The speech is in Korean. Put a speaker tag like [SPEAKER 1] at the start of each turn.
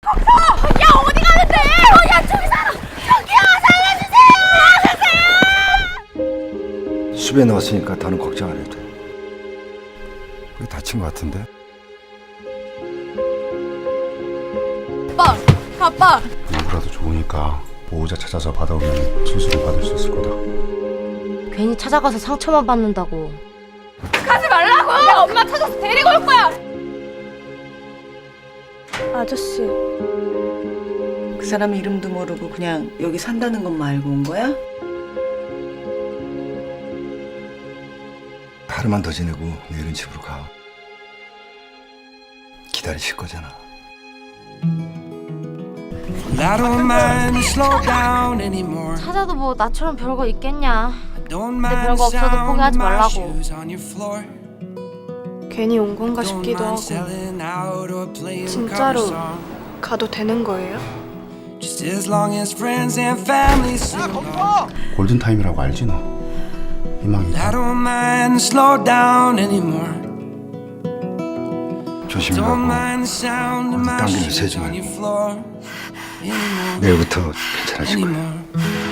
[SPEAKER 1] 야 어디 가는데? 야 저기 살아. 저기요 살려주세요.
[SPEAKER 2] 숲에 넣었으니까 더는 걱정 안 해도 돼. 거의 다친 것 같은데?
[SPEAKER 1] 아빠.
[SPEAKER 3] 누구라도 좋으니까 보호자 찾아서 받아오면 수술을 받을 수 있을 거다.
[SPEAKER 4] 괜히 찾아가서 상처만 받는다고.
[SPEAKER 1] 가지 말라고. 내가 엄마 찾아서 데리고 올 거야.
[SPEAKER 5] 아저씨, 그 사람 이름도 모르고 그냥 여기 산다는 것만 알고 온 거야?
[SPEAKER 2] 하루만 더 지내고 내일은 집으로 가. 기다리실 거잖아.
[SPEAKER 6] I don't mind to slow down anymore.
[SPEAKER 4] 찾아도 뭐 나처럼 별거 있겠냐.
[SPEAKER 6] Don't
[SPEAKER 4] 근데
[SPEAKER 6] mind
[SPEAKER 4] 별거 없어도
[SPEAKER 6] the sound
[SPEAKER 4] 포기하지
[SPEAKER 6] of my
[SPEAKER 4] 말라고.
[SPEAKER 6] shoes on your floor.
[SPEAKER 5] 괜히 온 건가
[SPEAKER 6] Don't
[SPEAKER 5] 싶기도
[SPEAKER 6] mind
[SPEAKER 5] 하고.
[SPEAKER 6] selling out or playing
[SPEAKER 5] 진짜로
[SPEAKER 6] cover song.
[SPEAKER 5] 가도 되는 거예요?
[SPEAKER 6] Just as long as friends and family sing along.
[SPEAKER 3] 골든 타임이라고 알지 너? 희망이
[SPEAKER 6] I
[SPEAKER 3] 있다.
[SPEAKER 6] don't mind to slow down anymore.
[SPEAKER 2] 조심히
[SPEAKER 6] Don't
[SPEAKER 2] 가고
[SPEAKER 6] mind the sound of my
[SPEAKER 2] 당기는
[SPEAKER 6] shoes
[SPEAKER 2] 세지
[SPEAKER 6] on
[SPEAKER 2] 말고.
[SPEAKER 6] your floor. Anymore.
[SPEAKER 2] 내일부터 괜찮아질 거야.
[SPEAKER 6] Anymore.